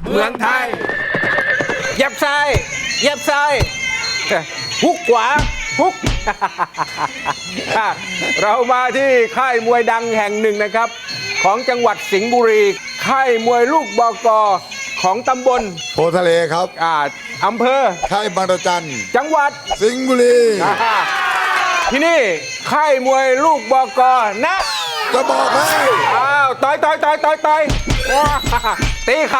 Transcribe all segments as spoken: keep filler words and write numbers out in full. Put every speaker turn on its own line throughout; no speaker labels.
เมืองไทยยับซ้ายยับซ้ายฮุกขวาฮุก เรามาที่ค่ายมวยดังแห่งหนึ่งนะครับของจังหวัดสิงห์บุรีค่ายมวยลูกบก.ของตำบล
โพทะเลครับ
อ่าอำเภอ
ค่ายบางระจัน
จังหวัด
สิงห์บุรี
อ่าที่นี่ค่ายมวยลูกบก.นะ
จะบอกให้
อ้าวต่อยต่อยต่อยต่อยต่อยว้าตีเขา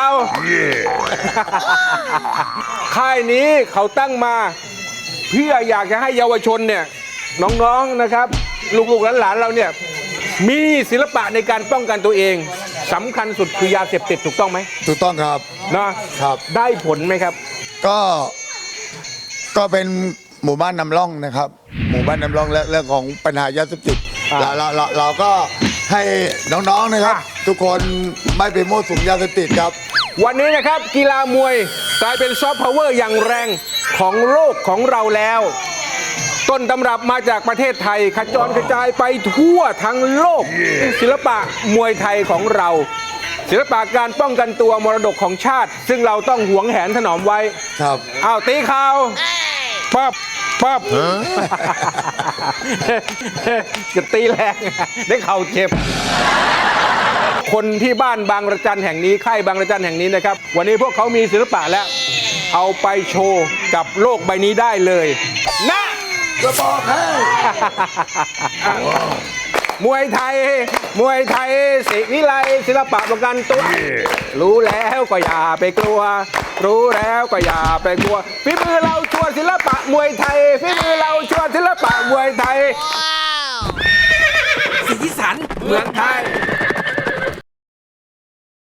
ค่ายนี้เขาตั้งมาเพื่ออยากจะให้เยาวชนเนี่ยน้องๆนะครับลูกๆหลานๆเราเนี่ยมีศิลปะในการป้องกันตัวเองสำคัญสุดคือยาเสพติดถูกต้องไหม
ถูกต้องครับ
นะครับ ได้ผลไหมครับ
ก็ก็เป็นหมู่บ้านนำร่องนะครับ หมู่บ้านนำร่องและเรื่องของปัญหายาเสพติด
อ่า
เราเราเราเราก็ให้น้องๆนะครับ
อ่ะ
ทุกคนไม่ไปมั่วสุมยาเสพติดครับ
วันนี้นะครับกีฬามวยกลายเป็นซอฟต์พาวเวอร์อย่างแรงของโลกของเราแล้ว ต้นตำรับมาจากประเทศไทยขจรกระจายไปทั่วทั้งโลก ศิลปะมวยไทยของเรา ศิลปะการป้องกันตัวมรดกของชาติ ซึ่งเราต้องหวงแหนถนอมไว้
ครับ
อ้าวตีเข่าป๊อบป๊อบจะตีแรงได้เข่าเจ็บ คนที่บ้านบางระจันแห่งนี้ค่ายบางระจันแห่งนี้นะครับ วันนี้พวกเขามีศิลปะแล้ว เอาไปโชว์กับโลกใบนี้ได้เลยนะ
จะบอกให้
มวยไทย มวยไทยศิวิไลศิลปะป้องกันตัว รู้แล้วก็อย่าไปกลัว รู้แล้วก็อย่าไปกลัวฝีมือเราชัวร์ศิลปะมวยไทยฝีมือเราชัวร์ศิลปะมวยไทยสีสันเมืองไทย